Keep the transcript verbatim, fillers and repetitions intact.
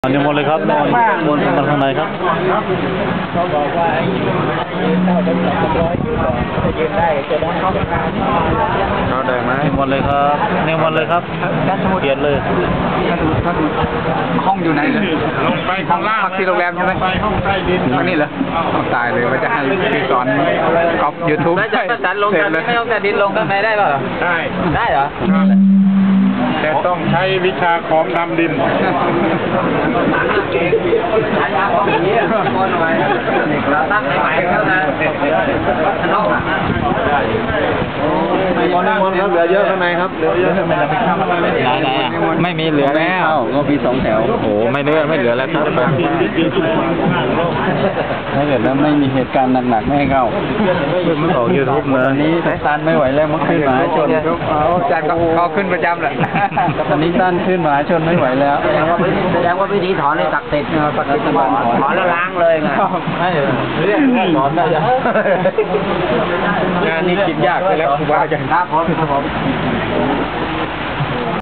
นิมนต์เลยครับนิมนต์มาข้างในครับเขาบอกว่าไอ้ยืนเท่าเป็นสองร้อยยืนก่อนจะยืนได้จะได้เข้าทางเขาได้ไหมนิมนต์เลยครับนิมนต์เลยครับเปลี่ยนเลยห้องอยู่ไหนเลยลงไปข้างล่างพักที่โรงแรมใช่ไหมไปห้องใต้ดินห้องนี้เหรอตายเลยว่าจะให้พี่สอนก๊อปยูทูบแล้วจะประสานลงกันไม่ต้องแต่ดินลงกันไหนได้ป่ะได้ได้เหรอแต่ต้องใช้วิชาของดำดินตั้งใหม่ๆแล้วนะนิมนต์นิมนต์ครับเหลือเยอะข้างในครับเหลือเยอะไม่ไหนไหนไม่มีเหลือแล้วก็มีสองแถวโอ้โหไม่เหลือไม่เหลือแล้วครับถ้าเกิดแล้วไม่มีเหตุการณ์หนักๆไม่ให้เข้าไม่ออกยูทูบเลยตอนนี้ตันไม่ไหวแล้วมันขึ้นมหาชนจัดก็ขึ้นประจำแหละตอนนี้ตันขึ้นมหาชนไม่ไหวแล้วแสดงว่าวิธีถอนนี่ศักดิ์สิทธิ์ศักดิ์สิทธิ์ถอนแล้วล้างเลยไงไม่เรียกถอนได้ยังงานนี้คิดยากไปแล้วครูบาอาจารย์ครับผมครับผม